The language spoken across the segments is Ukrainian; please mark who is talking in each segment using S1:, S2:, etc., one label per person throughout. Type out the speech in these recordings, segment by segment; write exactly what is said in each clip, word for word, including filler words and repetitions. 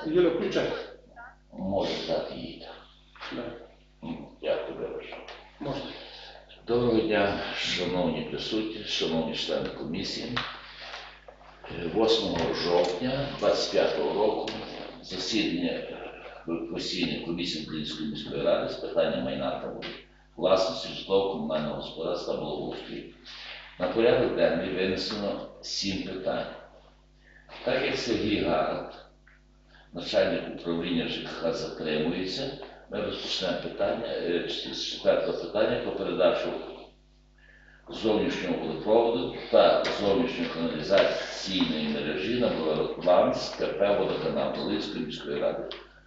S1: Юля, включай.
S2: Може дати їй.
S1: Да.
S2: Дякую, вибачте.
S1: Можна.
S2: Доброго дня, шановні присутні, шановні члени комісії. восьмого жовтня двадцять п'ятого року засідання постійної комісії Української міської ради з питання майна та власності житлово-комунального господарства та благоустрою. На порядок денний винесено сім питань. Так як Сергій Гарат, начальник управління ЖКХ, затримується, ми розпочнемо питання, з четвертого питання про передачу зовнішнього водопроводу та зовнішньої каналізаційної мережі на баланс КП «Водоканал» Волинської міської ради.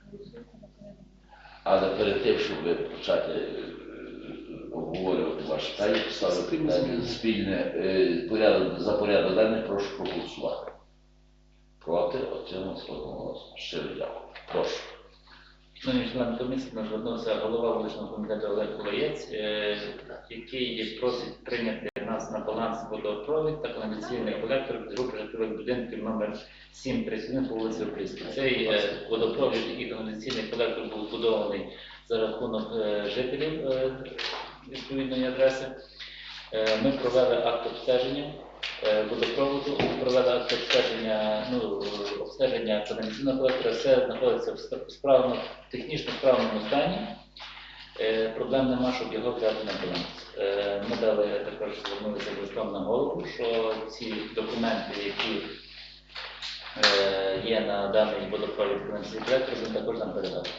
S2: Але перед тим, щоб почати обговорювати ваші питання, поставити питання спільне порядок, за порядок денний, прошу проголосувати. Проти, отримав одноголосно. Щиро дякую. Прошу.
S3: Шановні члени комісії, нас звернувся голова вуличного комітету Олег Кулаєць, який просить прийняти нас на баланс водопровід та каналізаційний колектор з групи житлових будинків номер сім тридцять один по вулиці Опільській. Цей водопровід і каналізаційний колектор був збудований за рахунок жителів відповідної адреси. Ми провели акт обстеження водопроводу, провели акт обстеження, ну, обстеження каналізаційного колектора, все знаходиться в справно, технічно справному стані. Е, проблем нема, щоб його взяти на баланс. Е, ми дали також звернулися листом на голову, що ці документи, які е, є на даний водопровід каналізаційний колектор, він також нам передав.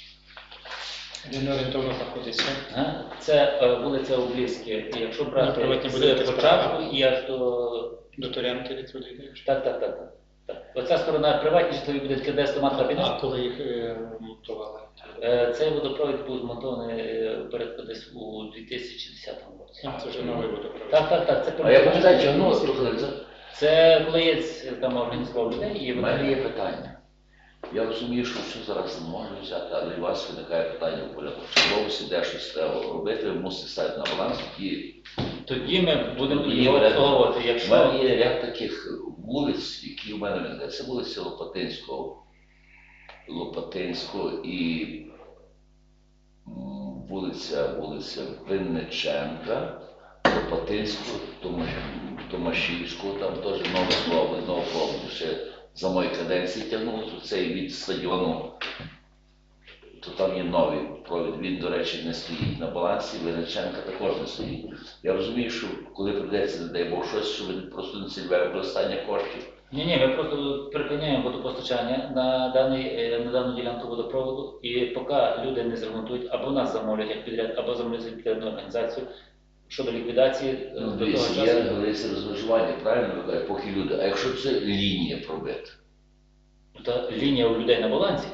S1: Він орієнтовно знаходиться.
S3: Це е, вулиця Облівська. Якщо брати з початку і аж до...
S1: До Торянки від туди йдеш?
S3: Так, так, так, так, так. Оця сторона приватні житлові будинки, де стомат кабінет.
S1: А коли їх е, монтували?
S3: Е, цей водопровід був змонтований е, порядку десь у дві тисячі десятому році.
S1: А, це вже новий водопровід.
S3: Так, так, так. Це
S2: А я пам'ятаю, тягнулося трохи.
S3: Це Кулаєць там організував людей і
S2: У мене є питання. Я розумію, що все зараз не можна взяти, але у вас виникає питання у порядку черговості, де щось треба робити, ви мусите ставити на баланс, і
S3: тоді ми будемо
S2: тоді
S3: його
S2: буде.
S3: обслуговувати.
S2: У
S3: Якщо...
S2: мене є ряд таких вулиць, які у мене виникають. Це вулиця Лопатинського, Лопатинського і м, вулиця, вулиця Винниченка, Лопатинського, Томаш- Томашівського, там теж новий провод, новий провод, ще за моєї каденції тягнулося, цей від стадіону, то там є новий провід, він, до речі, не стоїть на балансі, Винниченка також не стоїть. Я розумію, що коли прийдеться, не дай Бог, щось, що ви просто не цільове використання коштів.
S3: Ні, ні, ми просто припиняємо водопостачання на, даний, на дану ділянку водопроводу, і поки люди не зремонтують, або нас замовлять як підряд, або замовлять підрядну організацію щодо ліквідації
S2: Ну,
S3: до того
S2: дивіться,
S3: часу.
S2: є говориться розмежування, правильно ви кажете, поки люди. А якщо це лінія пробита?
S3: Та лінія у людей на балансі.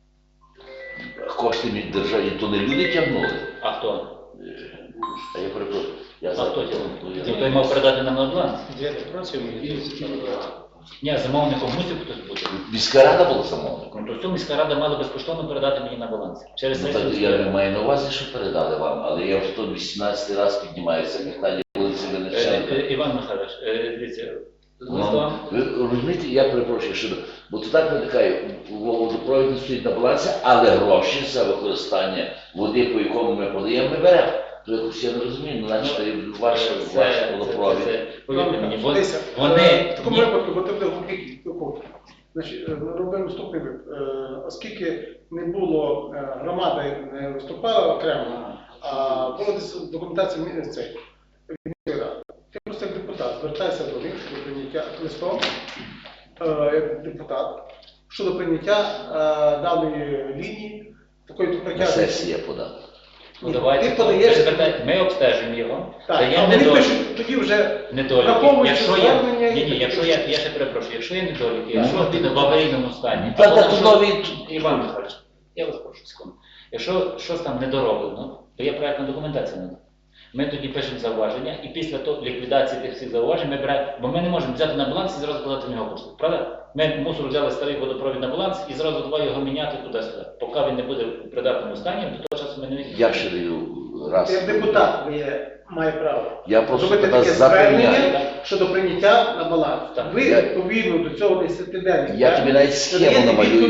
S2: Кошти від держави, то не люди тягнули.
S3: А хто?
S2: А я перепрошую. Я
S3: А
S2: за-
S3: хто
S2: ну,
S3: тягнув?
S2: я-
S3: Ті, хто мав передати нам на баланс?
S1: Де працюємо?
S3: Ні, замовником мусив хтось бути.
S2: Міська рада була замовником.
S3: Ну, то цю міська рада мала безкоштовно передати мені на баланс. Через
S2: Ну,
S3: сесію
S2: так
S3: міської
S2: я не
S3: ради.
S2: маю на увазі, що передали вам, але я вже тут вісімнадцятий раз піднімаюся питання вулиці
S3: Е,
S2: Винниченка.
S3: е, Іван Михайлович, е, дивіться, з
S2: Ну,
S3: листом.
S2: ви розумієте, я перепрошую, що бо то так виникає, водопровід не стоїть на балансі, але гроші за використання води, по якому ми подаємо, ми беремо. То якось я не розумію, ну, значить,
S3: Ну,
S2: ваш,
S3: Це-
S2: ваш
S3: це-
S2: водопровід.
S3: це- Повірте мені, вон-
S1: Дивися, е,
S3: вони...
S1: в такому
S3: ні-
S1: випадку, бо ти буде глибокий кут. Значить, е, робимо наступний випадок. Е, Оскільки не було, е, громада не виступала окремо, а була десь документація мі- цей, міської ради. Ти просто як депутат звертайся до них щодо прийняття листом, е, як депутат, щодо прийняття е, даної лінії, такої
S2: На
S1: притягнення.
S2: сесії я подав.
S3: Ну, давайте,
S1: Ти подаєш-
S3: ви звертайте- ми обстежимо його,
S1: Так, а
S3: даємо
S1: вони
S3: недоліки.
S1: пишуть тоді вже
S3: недоліки.
S1: враховуючи
S3: Якщо є,
S1: звернення і
S3: ні, ні,
S1: таке
S3: якщо
S1: інше.
S3: я, я ще перепрошую, якщо є недоліки,
S2: Ну,
S3: якщо він в аварійному стані,
S2: Та
S3: або
S2: так
S3: там
S2: то нові.
S3: Іван Михайлович, я вас прошу секунду. Якщо щось там недороблено, то є проектна документація на це. Ми тоді пишемо зауваження, і після того ліквідації тих всіх зауважень ми беремо, бо ми не можемо взяти на баланс і зразу подати в нього кошти. Правда? Ми мусор взяли старий водопровід на баланс і зразу два його міняти туди-сюди. Поки він не буде в придатному стані, до того часу ми не візьмемо.
S2: Я ще даю раз.
S1: Як депутат ви має право
S2: Я просто
S1: зробити
S2: тебе
S1: таке
S2: запевняю.
S1: звернення щодо прийняття на баланс.
S3: Так.
S1: Ви
S2: Я-
S1: відповідно до цього десятиденного
S2: Я тобі навіть схему намалюю.
S1: відповідь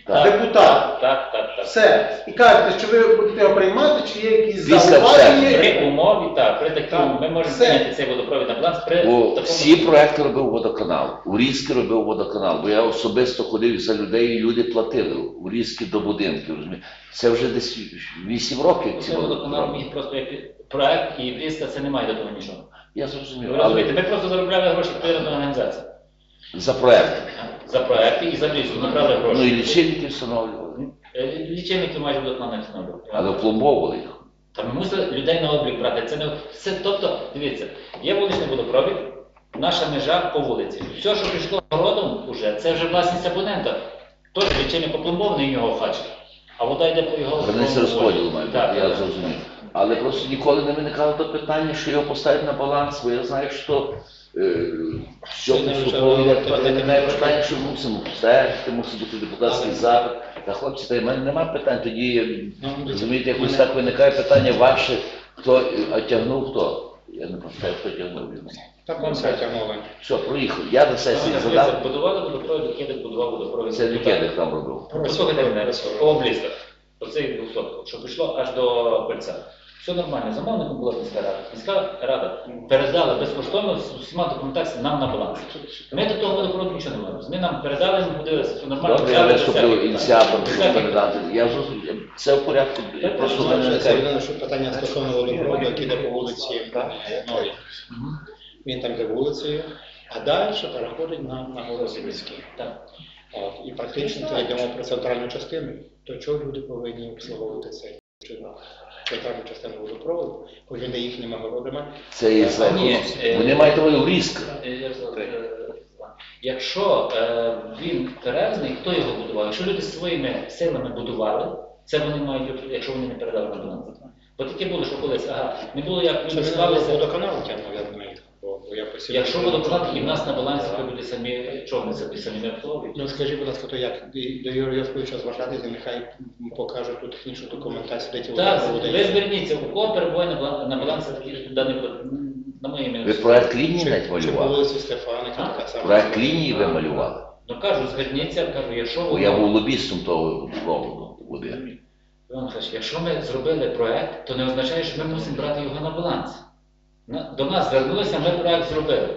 S2: Так.
S1: депутат.
S3: Так, так, так, так.
S1: Все. І кажете, що ви будете його приймати, чи є якісь
S2: Після
S1: зауваження?
S3: При умові, так, при такій,
S1: Так,
S3: ми можемо
S1: все.
S3: прийняти цей водопровід на баланс при
S2: Бо
S3: такому...
S2: всі проекти робив водоканал. У Різки робив водоканал. Бо я особисто ходив за людей, і люди платили у Різки до будинків. розумієте. Це вже десь вісім років. ці
S3: Це водоканал
S2: водоканали.
S3: міг просто як проект, і Брізка це не має до того нічого.
S2: Я
S3: Ви
S2: зрозумів.
S3: розумієте,
S2: Але
S3: ми просто заробляли гроші підтримати організацію.
S2: за проект.
S3: За проекти і за Брізку набрали
S2: Ну і
S3: гроші.
S2: лічильники встановлювали.
S3: Е, Лічильники майже водоканал не встановлювали.
S2: Але пломбовували їх.
S3: Та ми мусили людей на облік брати. Це не це, тобто, дивіться, є вуличний водопровід, наша межа по вулиці. Все, що пішло городом, уже, це вже власність абонента. Тож лічильник опломбований, його хоче. А вода йде по його
S2: Границя розподілу має бути,
S3: Так,
S2: я
S3: так.
S2: зрозумів. Але просто ніколи не виникало то питання, що його поставити на баланс, бо я знаю, що е, що
S4: Сьогодні вже
S2: поступово йде
S4: говорили,
S2: виникає
S4: так,
S2: питання, що мусимо стежити, мусить бути депутатський запит. Та хлопці, та й в мене немає питань, тоді,
S4: Ну,
S2: розумієте, якось
S4: мене-
S2: так виникає питання ваше, хто, а тягнув хто? Я не пам'ятаю, хто тягнув його.
S4: Так он все тягнули.
S2: Що, проїхав. Я на сесії
S3: Дивіться,
S2: задав,
S3: Будували водопровід, Кедик будував водопровід.
S2: це Лікедик там робив.
S3: Послухайте мене, по облістах, оцей двохсот, що пішло аж до кольця. Все нормально, замовником була міська рада. Міська рада передала безкоштовно з усіма документаціями нам на баланс. Ми до того водопроводу нічого не маємо. Ми нам передали, ми подивилися, все нормально.
S2: Добре, я
S3: взяли до себе.
S2: виступлю ініціатором,
S3: До
S2: щоб
S3: себе.
S2: передати. Я зрозумів, це в порядку,
S3: Так,
S2: просто в
S4: Це
S2: мене
S4: це
S2: виникає.
S4: єдине, що питання стосовно водопроводу, який йде по вулиці Новій.
S3: Мгм.
S4: Він там йде вулицею, а далі переходить на, на вулиці міські.
S3: Так.
S4: От, і практично це йдемо про центральну частину. То чого люди повинні обслуговувати цей чи центральну частину водопроводу, коли він є їхніми городами.
S2: Це є за
S3: Ні, е,
S2: Вони мають того різк.
S3: Е, я розумію, е, Якщо е, він перевезений, хто його будував? Якщо люди своїми силами будували, це вони мають, якщо вони не передали на баланс. Бо таке було, що колись, ага, не було як
S4: Це
S3: люди
S4: не
S3: склалися.
S4: водоканал тягнув, я думаю, бо, бо я посів.
S3: Якщо водоканал, і в нас на балансі, то люди самі, чого вони собі самі не обслуговують?
S4: Ну скажіть, будь ласка, то як? І до Юрія Йосиповича звертатися, нехай покаже ту технічну документацію, де ті
S3: Так,
S4: водопроводи
S3: ви
S4: є.
S3: зверніться, у кого перебуває на бала- на балансі таких даних, на моє ім'я.
S2: Ви проект лінії
S4: Чи,
S2: навіть
S4: чи по
S2: малювали?
S4: вулиці Стефаника,
S3: А?
S4: така сама.
S2: Проект лінії ви малювали.
S3: Ну кажу, зверніться, кажу, якщо
S2: Бо
S3: воно-
S2: я був лобістом того проводу води.
S3: Іван Михайлович, якщо ми зробили проект, то не означає, що ми мусимо брати його на баланс. На- До нас звернулися, ми проект зробили.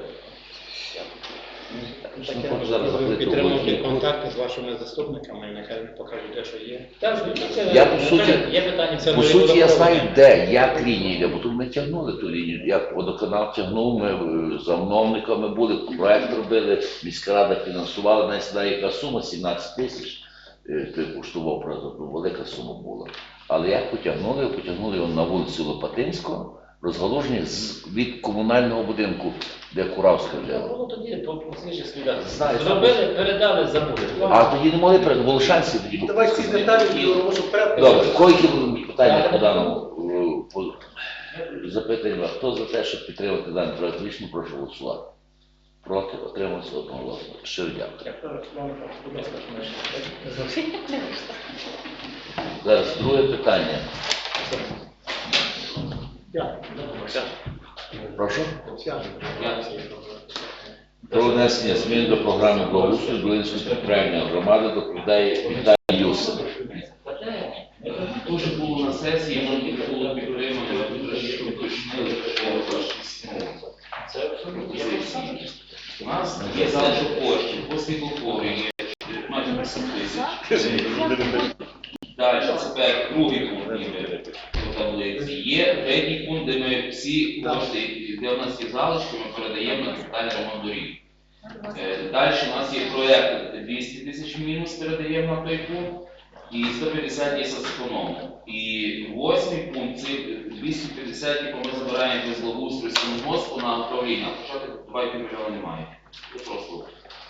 S4: Таке,
S2: Ну, хоч зараз
S4: ви
S2: закрити
S4: підтримуєте
S2: вулицю.
S4: контакти з вашими заступниками, і нехай вони покажуть, де що є.
S3: Так, зверніться,
S2: Я, по
S3: ну,
S2: суті-
S3: кажу, є питання.
S4: Це
S2: По
S4: не
S2: суті, я
S4: водопровод.
S2: знаю, де, як лінія йде, бо тут ми тягнули ту лінію. Як водоканал тягнув, ми е, замовниками були, проект робили, міська рада фінансувала, навіть знаю, яка сума, сімнадцять тисяч, е, той коштував, правда, ну, велика сума була. Але як потягнули, потягнули його на вулицю Лопатинського, розгалужені з, від комунального будинку, де Куравська
S3: Це
S2: жила.
S3: було тоді по по свіжих слідах.
S2: Знаю,
S3: Зробили, передали, забули.
S2: А тоді не могли перед Волошанці тоді. були.
S1: Давай ці деталі в робочу порядку.
S2: Добре, койки питання по даному е, по- запитання. Хто за те, щоб підтримати даний проект рішення, прошу голосувати. Проти, отримався одноголосно. Щиро дякую. Зараз друге питання. Прошу. Про внесення змін до програми благоустрою Долинської територіальної громади доповідає Віталій Юсов.
S5: Дуже було на сесії, воно тільки було підтримано, що уточнили, що це абсолютно є всі. У нас є залишок коштів, по світлофорі є майже вісім тисяч. Далі, тепер другий пункт є по таблиці. Є третій пункт, де ми всі кошти, де у нас є залишки, ми передаємо на капітальний ремонт доріг. Е, Далі у нас є проєкт двісті тисяч мінус, передаємо на той пункт. І сто п'ятдесят є соцеконом. І восьмий пункт, це двісті п'ятдесят, яку ми забираємо без благоустрою Сіногоспу на управління. Почати два і пів мільйона немає. Це просто.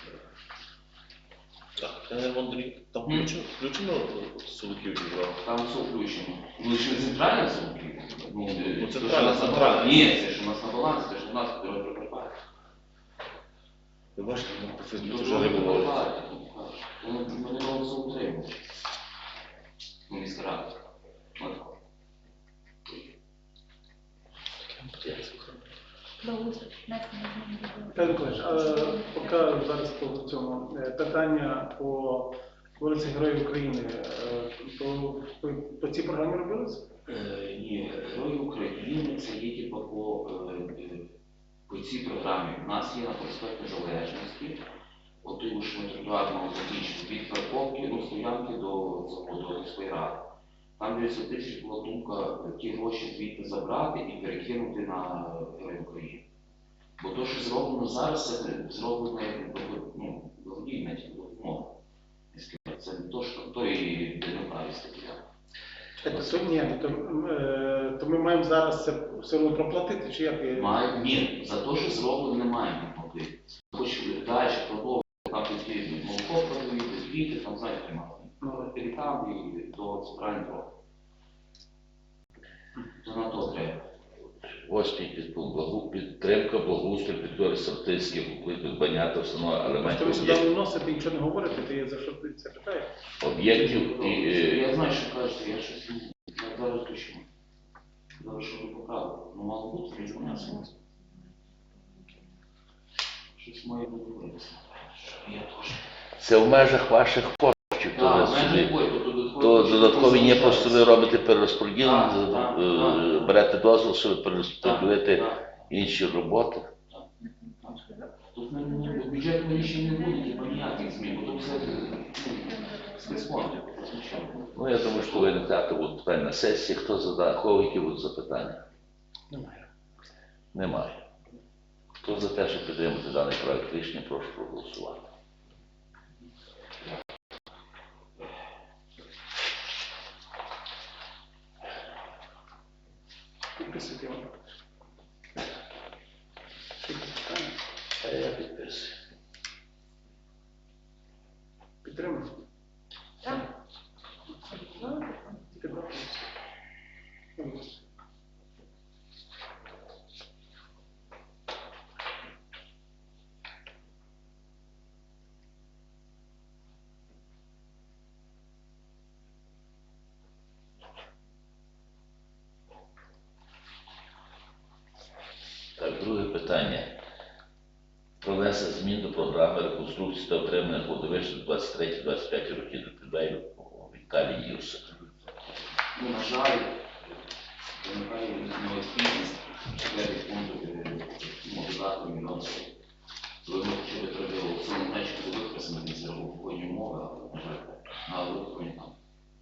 S6: Так, ремонт доріг. Там
S5: Мгм.
S6: включено, включено Солоків зібрав.
S5: Там все включено. Ну, ще не центральна сумка. Ну,
S6: Ну,
S5: це
S6: центральна,
S5: що у нас на
S6: центральна.
S5: балансі. Ні, це ж у нас на балансі, це ж у нас дорога прикопає.
S6: Ви бачите, ну, по Фейсбуці вже
S5: Дорога
S6: не було.
S5: прикопає. Ми ми не можемо це утримувати. Ну, міська рада. От.
S1: Віталій Миколаївич, а поки зараз по цьому е, питання по вулиці Героїв України, е, то по, по цій програмі робилось?
S5: Е, Ні, Герої України це є типу по, е, е, по цій програмі. У нас є на проспекті Незалежності, от тому що ми тротуар мав закінчити від парковки, ну, стоянки до заводу міської ради. Там дев'ятсот тисяч була думка ті гроші звідти забрати і перекинути на Героїв України. Бо то, що зроблено зараз, це зроблено як ну, благодійна допомога. Це не то, що той демократії стаття.
S1: Чекайте, то, ні, то, е, то ми маємо зараз це все одно проплатити, чи як? є?
S5: Має, ні, за те, що зроблено, не маємо платити. Хоч далі продовжувати, там такі молоко продають, квіти, там знаєте,
S1: Ну,
S5: там і до центрального дороги. То на то треба.
S2: Восьмий підпункт. Благу- Підтримка благоустрою території Сартильських укритих баня та встановлення
S1: Просто ви
S2: елементів
S1: сюди
S2: об'єктів-
S1: вносите і нічого не говорите, то я за що ти це питаю?
S2: об'єктів і е,
S5: Я знаю, що кажете, я щось не я зараз точно. Зараз що ви поправили. Ну, мало бути, від мене все. Щось має бути виписано. Я теж.
S2: це в межах ваших коштів. То,
S5: Так,
S2: ви
S5: в
S2: собі-
S5: мене бой, то додаткові
S2: то
S5: кошти
S2: додаткові є, просто ви
S5: залишаються.
S2: робите перерозподілення,
S5: Так, так,
S2: е,
S5: так.
S2: берете дозвіл, щоб
S5: Так,
S2: перерозподілити
S5: так.
S2: інші роботи.
S5: Тут не- не- до бюджетного рішення не буде, типу, ніяких змін, бо тут все спецфонди.
S2: Ну, я думаю, що ви не дати будуть питання на сесії. Хто задає, кого які будуть запитання?
S1: Немає.
S2: Немає. Хто за те, щоб підтримати даний проект рішення, прошу проголосувати.
S1: Підписуйте його. Ще якісь питання?
S2: А я підписую.
S1: Підтримуємо?
S7: Так.
S1: Тільки два голоси. Голоси.
S2: Так, друге питання. Про внесення змін до програми реконструкції та отримання кладовища двадцять три двадцять п'ять років доповідає Віталій Юсик.
S5: Ну, на жаль, виникає необхідність четвертий пункт мобілізати мільйон. Коли ми почали треба все на значку використати з рахункової умови, але, на жаль, на виконання там.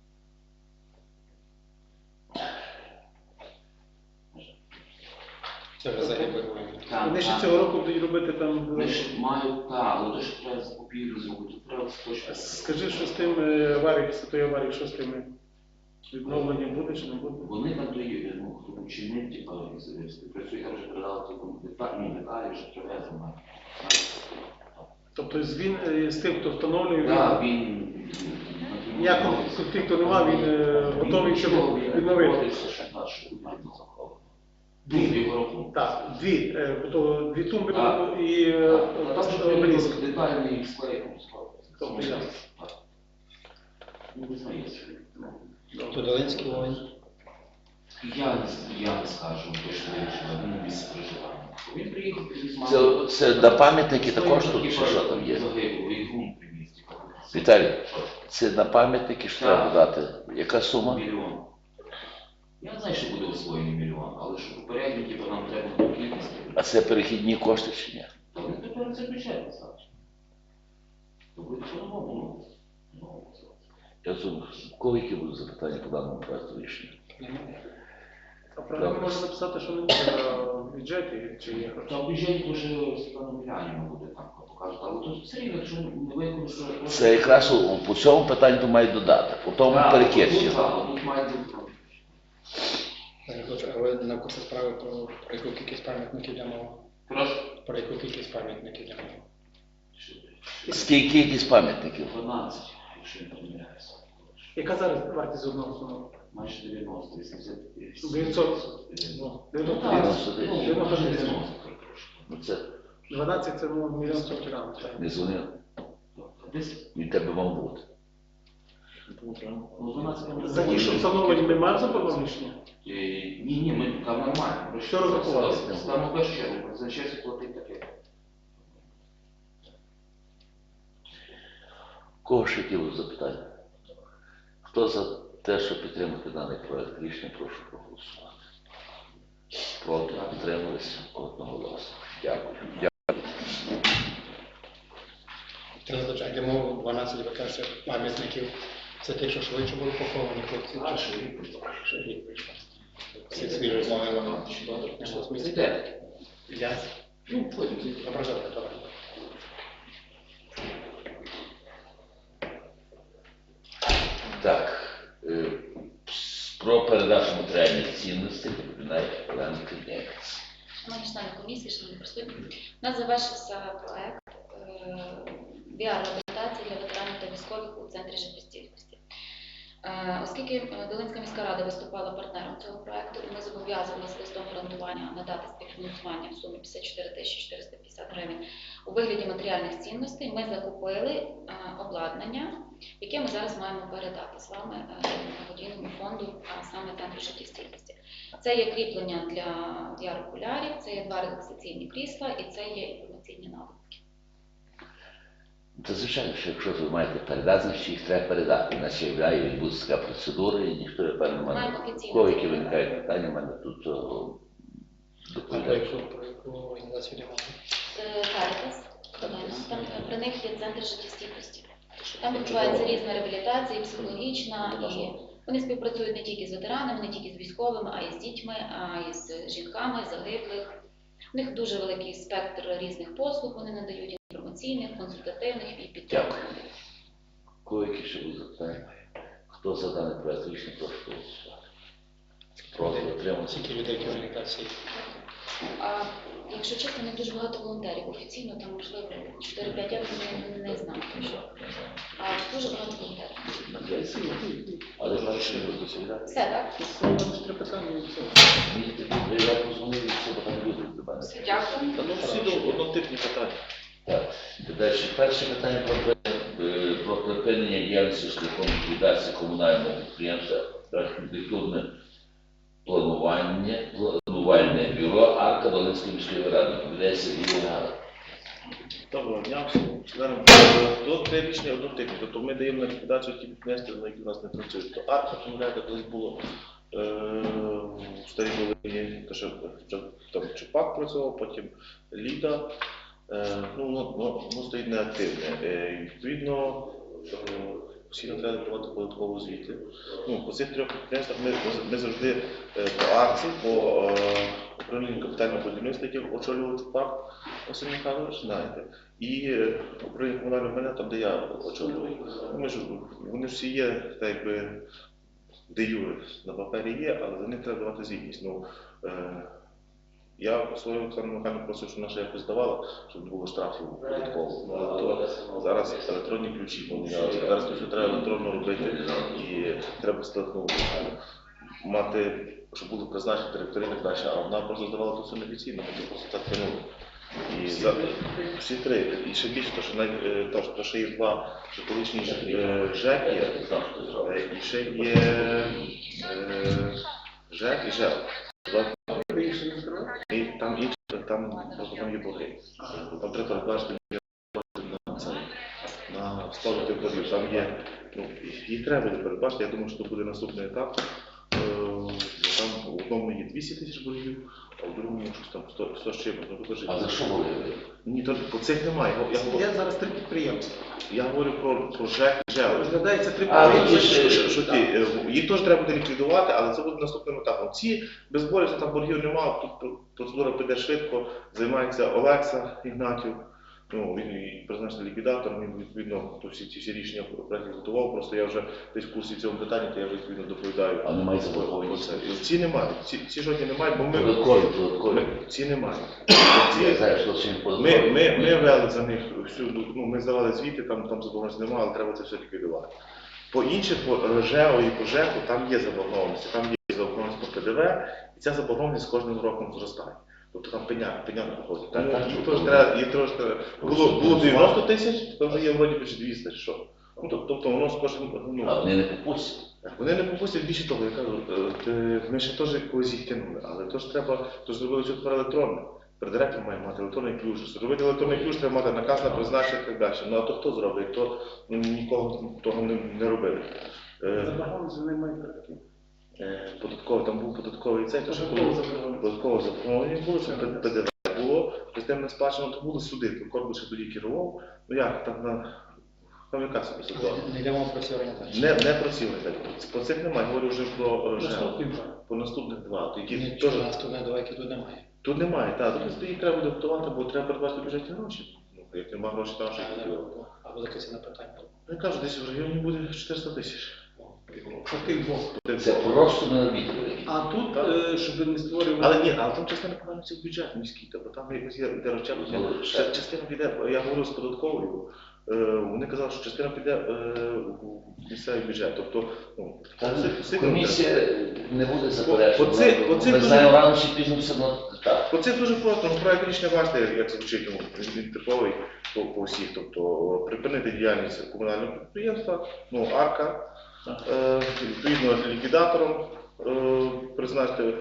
S4: Це вже загиблий.
S1: Вони ще цього року будуть робити там.
S5: Вони ж мають, так, але то ж треба закупівлю зробити, треба точно.
S1: Скажи, що з тим е, аварією, після тої аварії, що з тими відновленням буде чи не буде?
S5: Вони там дої, ну, хто чинить, типу, співпрацює, я вже передав цілком деталі, ну, деталі вже привезено.
S1: Тобто з, він, е, з тим, хто встановлює,
S5: Так,
S1: він,
S5: він...
S1: ніякого конфлікту немає, він е, готовий цьому відновити.
S5: Дві його рахунку.
S1: Так, дві, е, то дві тумби
S5: Так.
S1: і е,
S5: А там же
S1: обеліск.
S5: прийняли детальний склейком склад.
S1: Тобто я.
S5: Ну, не знаю,
S4: То Долинський воїн.
S5: я, не- я не скажу, точно вирішила, він на місці проживання. Він приїхав, привіз маму.
S2: Це, це на пам'ятники також тут, чи що там є?
S5: Загиблий, і грунт привіз. типу.
S2: Віталій, це на пам'ятники що треба
S5: Так.
S2: додати? Яка сума?
S5: Мільйон. Я не знаю, що буде освоєний мільйон, але що попередньо, типу, нам треба до кількості.
S2: А це перехідні кошти чи ні?
S5: Та вони тепер це бюджет, Саш. То буде по-новому, ну. ну, це.
S2: Я думаю, кого які будуть запитання по даному проекту рішення?
S1: А програмі можна написати, що не буде в бюджеті, чи є гроші.
S5: Та в бюджеті дуже Світлана Міляніна буде там покажуть, але тут все рівно, якщо не використати...
S2: Це якраз у- по цьому питанню мають додати, по тому перекидці.
S5: Тут має бути.
S4: Я не хочу, але на курсі справи про, про яку кількість пам'ятників йде мова.
S5: Прошу.
S4: Про яку кількість пам'ятників йде мова.
S2: Скільки кількість пам'ятників?
S5: дванадцять, якщо не помиляюся.
S1: Яка зараз вартість одного установки?
S5: Майже дев'яносто, вісімдесят.
S1: дев'ятсот.
S5: Ну,
S1: дев'яносто.
S5: так,
S2: дев'яносто
S5: ну,
S2: дев'ять.
S5: майже дев'яносто трошки.
S2: Ну це
S1: дванадцять це ну, мільйон сто грам.
S2: не дзвонив,
S5: Десь,
S2: від тебе мав бути.
S5: ну, дванадцять...
S1: За ті, що встановлені, ми маємо законне рішення?
S5: Е, Ні, ні, ми там нормально.
S1: Що розрахувалося?
S5: Там у першу чергу, за честь платить таке.
S2: Кого ще які будуть запитання? Хто за те, щоб підтримати даний проект рішення, прошу проголосувати. Проти, підтрималися одноголосно. Дякую.
S4: Тринадцять йдемо дванадцять, ви кажете, пам'ятників. Це те, що швидше були поховані хлопці. А що рік прийшов. Всі свіжі з могилами.
S5: Зайдете.
S4: Я
S5: Ну, потім.
S4: ображати товар.
S2: Так, е, про передачу матеріальних цінностей доповідає Олена Кривнєвець.
S7: Шановні члени комісії, шановні присутні, у нас завершився проект біар-реабілітації для ветеранів та військових у центрі життєстійкості. Е, Оскільки е, Долинська міська рада виступала партнером цього проекту, і ми зобов'язувалися листом гарантування надати співфінансування в сумі п'ятдесят чотири тисячі чотириста п'ятдесят гривень у вигляді матеріальних цінностей, ми закупили е, обладнання, яке ми зараз маємо передати з вами е, благодійному фонду, а саме центру життєстійкості. Це є кріплення для яр-окулярів, це є два релаксаційні крісла і це є інформаційні навики.
S2: Та звичайно, що якщо ви маєте передати, значить їх треба передати. Іначе являє, відбудеться така процедура, і ніхто не певно
S7: Маємо
S2: мене.
S7: офіційно.
S2: Кого які виникають питання, в мене тут о,
S4: А про
S2: доповідає.
S4: яку, про яку організацію немає?
S7: Це Карітас, там е, при них є центр життєстійкості. Там відбувається різна реабілітація, і психологічна, і вони співпрацюють не тільки з ветеранами, не тільки з військовими, а й з дітьми, а й з жінками, загиблих. У них дуже великий спектр різних послуг, вони надають інформаційних, консультативних і підтримки.
S2: Дякую. Кого які ще будуть запитання? Хто за даний проект рішення, прошу голосувати. Проти, отримався.
S4: Скільки людей в організації?
S7: А якщо чесно, не дуже багато волонтерів. Офіційно там, можливо, чотири-п'ять, я не, не знаю точно. А дуже багато волонтерів.
S2: Але перше не буду доповідати.
S7: Все, так?
S1: Три питання і все.
S2: Мені тоді я позвонив, і все багато людей до мене.
S7: Все, дякую.
S6: Та ну всі до однотипні питання.
S2: Так, далі перше питання про, при- е, про припинення діяльності шляхом ліквідації комунального підприємства архітектурне планування, планувальне бюро Арка Долинської міської ради. Відповідає Сергій Лугара.
S6: Доброго дня всім членам. Тут три рішення однотипні. Тобто ми даємо на ліквідацію ті підприємства, на які в нас не працюють. То арка, пам'ятаєте, колись було е, в Старій Волині, то що вже там Чупак працював, потім Ліда. Е, ну, воно, воно, воно стоїть неактивне. Е, і відповідно, е, постійно треба давати податкову звіти. Ну, по цих трьох підприємствах ми, ми завжди е, по арці, по е, управлінню капітального будівництва, яке очолював Чупак Василь Михайлович, знаєте, і е, управління комунального майна, там, де я очолював. Ну, ми ж, вони ж всі є, так якби, де юри на папері є, але за них треба давати звітність. Ну, е, я свою Оксану Михайловну просив, щоб наша якось здавала, щоб не було штрафів податково. Ну, але то зараз електронні ключі, бо зараз то все треба електронно робити і треба ну, мати, щоб були призначені директори і так далі, а вона просто здавала то все неофіційно, ми просто так тянули. І за всі три, і ще більше, то що навіть е, то, що ще є два що колишні е, ЖЕК є, е, і ще є е, ЖЕК і ЖЕК. І там інші, там просто там є борги. Там треба передбачити на це, на сплату боргів. Там є, ну, їх треба буде передбачити, я думаю, що це буде наступний етап. Е, Там в одному є двісті тисяч боргів, а в другому щось там сто, сто з чимось. Ну, теж-
S2: А за що говорили?
S6: Ні, то по цих немає. Я, я,
S1: Є зараз три підприємства.
S6: я говорю про, про ЖЕК і ЖЕО.
S1: Розглядається три
S2: А,
S1: підприємства.
S2: ви
S6: Що, що ті, е, їх теж треба буде ліквідувати, але це буде наступним етапом. Ці без боргів, там боргів немає, тут процедура піде швидко, займається Олекса Ігнатів, ну, він і призначений ліквідатором, він відповідно то всі ці всі рішення проєктів готував, просто я вже десь в курсі цього питання, то я вже відповідно доповідаю.
S2: А немає
S6: Про
S2: заборгованості?
S6: це. Ці немає, ці, ці жодні немає, бо ми,
S2: Податкові, податкові.
S6: ми ці немає.
S2: Я знаю, що це податкові.
S6: Ми, ми, ми вели за них всю, ну, ми здавали звіти, там, там заборгованості немає, але треба це все ліквідувати. По інших, по ЖЕО і по ЖЕКу, там є заборгованості, там є заборгованість по ПДВ, і ця заборгованість з кожним роком зростає. Тобто там пеня, пеня проходить.
S2: Так,
S6: Тому
S2: так,
S6: їх
S2: так,
S6: теж
S2: так.
S6: треба, їх теж треба. Було, було дев'яносто тисяч, то вже є вроді би двісті чи що. Ну, тоб- тобто воно з кожним,
S2: А
S6: ну,
S2: вони не попустять.
S6: вони не попустять більше того, я кажу, е, те- ми ще теж когось їх тягнули, але то ж треба, то ж зробили все тепер електронне. Директор має мати електронний ключ. Зробити електронний ключ треба мати наказ на призначення і так далі. Ну а то хто зробить, як то ну, нікого того не, не робили. Е,
S1: Заборгованість вони мають такі.
S6: е, податково, там був податковий цей, то що
S1: Податково
S6: коли
S1: заборгованість.
S6: податково заборгованість було, що П Д В було, системне сплачено, то були суди, то Корбут ще тоді керував. Ну як, там на там яка собі ситуація?
S4: Не йдемо про ці організації.
S6: Не, не працювали. Про цих немає, говорю вже про е, ЖЕО.
S1: Наступний план.
S6: По наступних два. Які
S4: Ні,
S6: теж
S4: у нас тут не давайте тут немає.
S6: тут немає, так, тут їх треба буде готувати, бо треба передбачити бюджетні гроші. Ну, як нема грошей, там що їх готувати.
S4: Або якесь на питання.
S6: Ну, я кажу, десь в районі буде чотириста тисяч.
S1: По тих двох.
S2: Це просто не обідали.
S1: А тут, е, щоб не створювати...
S6: Але ні, але там частина повернеться в бюджет міський, тобто там якось є де розчеплення.
S2: Ну,
S6: Ча- Частина піде, я говорю з податковою, е, вони казали, що частина піде е, у місцевий бюджет. Тобто, ну,
S2: Та
S6: всі- всі
S2: комісія не буде
S6: По
S2: заперечувати.
S6: цих- по цих
S2: Ми
S6: дуже-
S2: знаємо рано чи пізно все одно так.
S6: Оце дуже просто, ну, проект рішення бачите, як звучить, ну, він типовий по, по всіх. Тобто припинити діяльність комунального підприємства, ну, арка, е, відповідно ліквідатором е, призначити,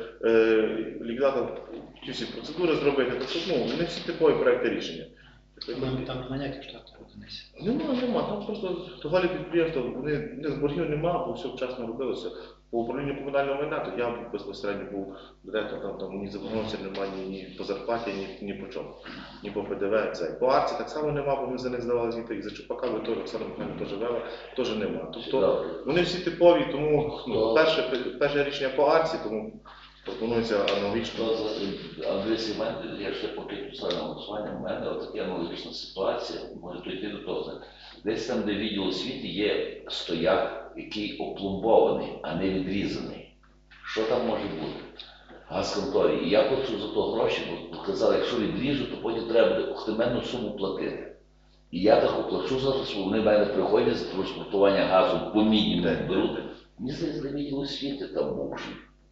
S6: е, ліквідатор ті всі процедури зробити. Тобто, ну, вони всі типові проекти рішення.
S4: Там, там немає ніяких штатних одиниць.
S6: Нема, нема. Там просто товарі підприємства, вони не з боргів нема, бо все вчасно робилося. По управлінню комунального майна, то я безпосередньо був директором, там, там ні заборгованості немає ні, ні по зарплаті, ні, ні по чому, ні по П Д В. Це. По арці так само нема, бо ми за них здавали звіти, і за Чупака, бо теж Оксана Михайлівна теж вела, теж нема. Тобто вони всі типові, тому ну, перше, перше рішення по арці, тому пропонується аналогічно.
S2: Андрій Семен, я ще поки писав на голосування, в мене отака аналогічна ситуація, може дійти до того. Десь там, де відділ освіти, є стояк, який опломбований, а не відрізаний. Що там може бути? Газконторі. І я плачу за то гроші, бо казали, якщо відріжу, то потім треба буде охтеменну суму платити. І я так оплачу зараз, бо вони в мене приходять за транспортування газу по мінімуму беруть. Мені здається, де відділ освіти там бувший.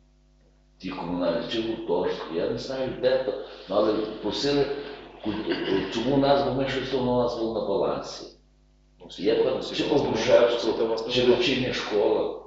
S2: Ті комунальні, чи гуртожитки, я не знаю, де то, ну, але просили, культу- чому нас, бо ми щось воно у нас було на балансі. Є там чи Погрушевського, чи вечірня школа,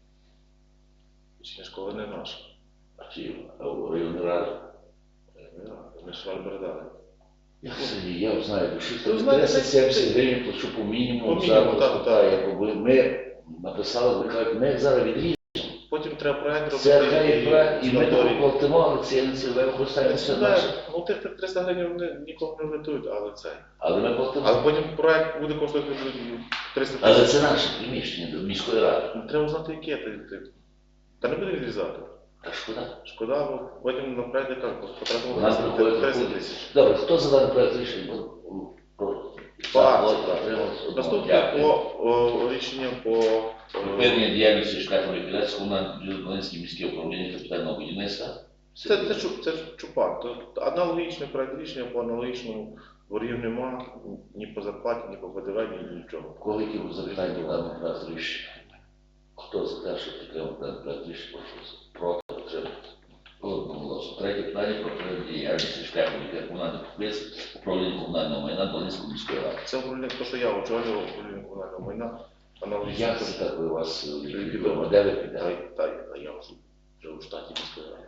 S6: Чи школа не наша.
S2: чи районна рада.
S6: Ми ж вам передали.
S2: Я це ні, я знаю, щось
S6: Ну,
S2: там
S6: знаєте,
S2: тридцять сімдесят гривень плачу по мінімуму,
S6: По мінімуму,
S2: зараз
S6: так,
S2: так,
S6: так.
S2: якби ми написали, ви кажуть, ми зараз відрізали,
S6: Потім треба проект робити.
S2: це хай проект, і ми
S6: санаторій.
S2: платимо, але це не цільове використання, все
S6: Це,
S2: наше.
S6: ну, тих тих триста гривень вони нікого не врятують, але це.
S2: Але ми платимо.
S6: Але потім проект буде коштувати триста
S2: Але
S6: тисяч.
S2: це наше приміщення до міської ради.
S6: Ну, треба знати, яке ти. ти. Та не буде відрізати.
S2: Та шкода.
S6: Шкода, бо потім на проект яка
S2: У
S6: потратимо
S2: нас приходить
S6: триста
S2: приходить.
S6: тисяч.
S2: Добре, хто за даний проект рішення? Бо- про-
S6: По
S2: за,
S6: акції,
S2: проти,
S6: так.
S2: утримався, одного.
S6: Наступне
S2: Дякую.
S6: по о, рішення по е,
S2: Припинення діяльності шляхом ліквідації комунального Волинське міське управління капітального будівництва.
S6: Це, це, Чу- це Чупак. То аналогічний проект рішення по аналогічному боргів нема ні по зарплаті, ні по П Д В, ні нічого.
S2: Коли які будуть запитання до даного проекту рішення? Хто за те, що підтримав даний проект рішення, прошу проти підтримати. Одноголосно. Третє питання про припинення діяльності шляхом ліквідації комунального підприємства управління комунального майна Волинської міської ради.
S6: Це управління, то, що я очолював управління комунального майна, аналогічно.
S2: Як це так у вас відомо? Де ви підете?
S6: Та, та, та я вже, вже у штаті міської ради.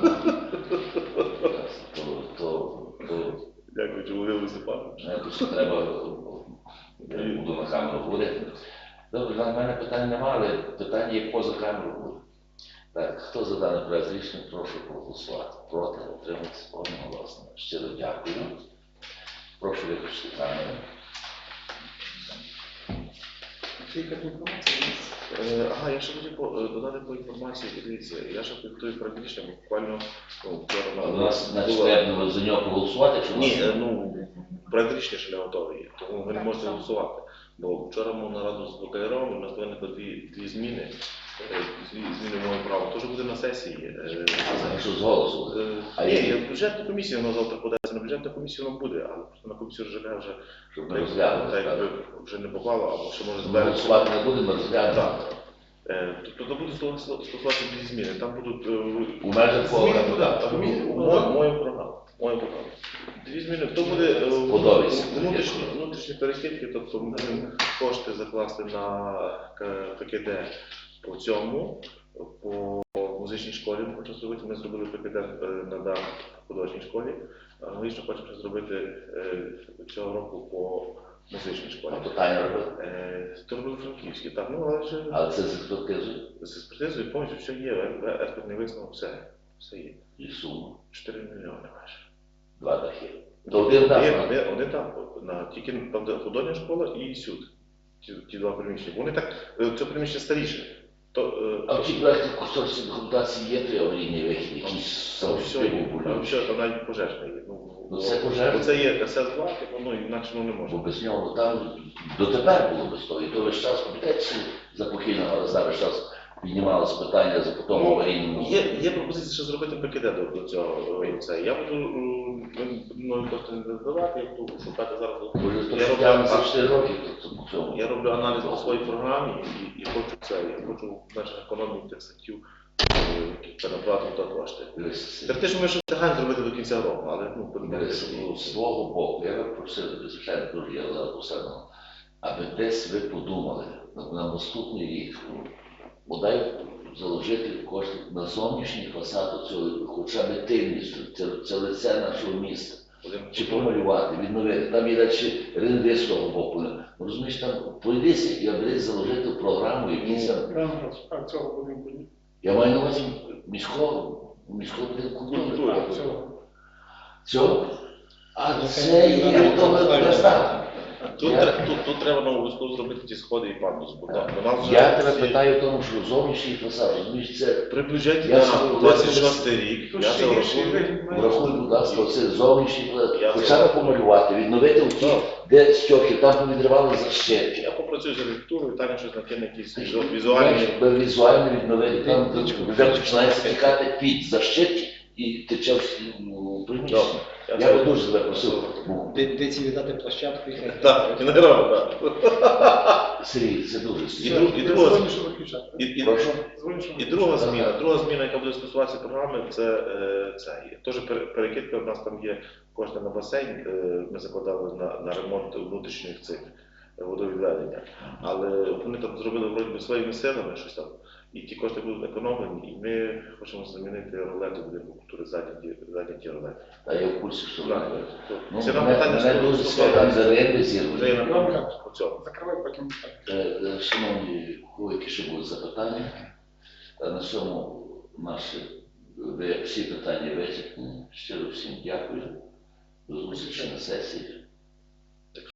S2: То, то, то
S6: Дякую, Володимир Степанович.
S2: знаєте, що треба, я буду на камеру говорити. Добре, в мене питань немає, але питання є поза камерою буде. Так, хто за даний проект рішення, прошу проголосувати. Проти, утриматися одноголосно. Щиро дякую. Прошу виключити камеру.
S1: Це яка інформація у нас?
S6: Е, Ага, я ще хотів по- е, додати по інформації, дивіться, я ще підготую проект рішення, буквально ну, вчора
S2: А
S6: на-
S2: у нас значить,
S6: була-
S2: треба за нього проголосувати, якщо у нас
S6: Ні, е, ну, проект рішення ще не готовий, є, тому ви не можете голосувати. Бо вчора мав нараду з ВКРом, у нас виникли дві, дві зміни, е, дві зміни в моєму праву. Теж буде на сесії. е,
S2: якщо з голосу.
S6: е,
S2: А
S6: Ні,
S2: які?
S6: я в бюджетну комісію воно завтра подається, на бюджетну комісію воно буде, але просто на комісію ЖК вже
S2: Щоб ми
S6: так,
S2: розглянули.
S6: так,
S2: так.
S6: якби вже не попало, або ще може
S2: Ми
S6: зберегти.
S2: голосувати не будемо, розглянемо.
S6: Так. Е, Тобто буде стосуватися дві зміни. Там будуть е,
S2: У межах
S1: Зміни
S2: кого?
S1: куди?
S6: так,
S1: Зміни у
S6: мою,
S1: програму?
S6: мою програму. Мою програму. Дві зміни. То буде е,
S2: Подобається.
S6: внутрішні, внутрішні перехідки, тобто ми будемо кошти закласти на К- ККД по цьому, по музичній школі хочу зробити. Ми зробили ПКД е, на дах в художній школі. Аналогічно хочемо зробити е, цього року по музичній школі.
S2: А питання робили?
S6: Е, То робили франківські, так, ну але вже
S2: Але це з експертизою
S6: з експертизою повністю все є, е- експертний висновок, все, все є.
S2: і сума.
S6: чотири мільйони майже.
S2: Два дахи. То один дах.
S6: Є,
S2: на-
S6: один, один так, на, тільки там, де художня школа і сюд. Ті, ті два приміщення. Вони так, е, це приміщення старіше. То, е,
S2: А
S6: то-
S2: в тій проєкті кошторисній документації є три аварійні вихід, якісь
S6: Там
S2: там
S6: все є,
S2: були.
S6: там все, там навіть пожежне є. Ну,
S2: Ну, це пожежне.
S6: бо це є ес ес два, типу, ну інакше воно не
S2: Бо
S6: може.
S2: без нього там дотепер було без того. І то весь час, пам'ятаєте, за похильного гаразда весь час піднімалося питання за потом
S6: Ну,
S2: аварійному.
S6: Є, є пропозиція ще зробити ПКД до, до цього. е, Це. Я буду м, ми мною кошти не додавати, я буду шукати зараз.
S2: Може, то
S6: Я
S2: що
S6: роблю,
S2: тягне за
S6: а-
S2: чотири роки, то це по цьому.
S6: я роблю аналіз по своїй програмі і, і хочу це, я хочу в межах економії тих статтів е, перенаправити до кошти.
S2: Дивись,
S6: Так те, що ми ще встигаємо зробити до кінця року, але ну, подивимося,
S2: Дивись,
S6: що
S2: ну,
S6: було.
S2: з свого боку, я би просив, звичайно, дуже я зараз посадимо, аби десь ви подумали на, на наступний рік, ну, бодай заложити кошти на зовнішній фасад цього, хоча б тильність, це, це лице нашого міста.
S6: Один-
S2: Чи помалювати, відновити. Там є далі ринки з того боку. Ну, розумієш, там пройдися і аби заложити в програму якісь там.
S1: Прямо а цього будинку ні.
S2: Я маю на увазі міського, міського будинку культури.
S6: Культури.
S1: А цього.
S2: Цього? А це є того так.
S6: Тут,
S2: Я-
S6: тре- тут, тут треба на обов'язково зробити ті сходи і пандус, бо там у нас вже
S2: Я тебе
S6: всі-
S2: питаю в тому, що зовнішній фасад, розумієш, це
S6: при бюджеті
S2: Я
S6: на
S2: собі
S6: двадцять шостий рік,
S1: Тут
S6: я
S1: ще
S6: це
S1: гірший
S6: врахую.
S1: вигляд має.
S2: врахуй, будь ласка, оце зовнішній фасад.
S6: Я
S2: Хоча
S6: це-
S2: б помалювати, відновити оті,
S6: Так.
S2: де стьохи, там повідривали защепки.
S6: Я попрацюю з архітектурою, Таня щось накине якісь візу- візуальні.
S2: Якби візуально відновити, там вже починається тікати під защепки і тече в ну, приміщення.
S6: Добре.
S2: Я
S6: це-
S2: би дуже тебе просив, ну,
S4: Де, де ці віддати площадку і
S6: Так, і не робимо, так.
S2: Сергій, це дуже
S6: І,
S2: сильно.
S6: друг- і,
S1: Я
S6: друга,
S1: дзвоню, що виключати.
S6: і, і,
S2: Прошу.
S1: Дзвоню, що
S6: і
S1: виключати.
S6: друга зміна, друга зміна, яка буде стосуватися програми, це, е, це є. Теж пере- перекидка, у нас там є кошти на басейн, е, ми закладали на, на ремонт внутрішніх цих е, водовідведення. Але вони там зробили вроді би своїми силами щось там, і ті кошти будуть економлені, і ми хочемо замінити ролети будинку культури, задні, ті- задні ті ролети.
S2: Та я в курсі, що
S6: Так,
S2: ви.
S6: то-
S2: Ну,
S6: Ціна
S2: мене,
S6: питання
S2: мене дуже складно за ринки
S6: вже є
S2: зірвані.
S6: на тому по цьому.
S1: Закривай потім.
S2: Е, е, Шановні, у кого які ще будуть запитання, Та на цьому наші ви- всі питання вичерпані. Щиро всім дякую. До зустрічі на сесії.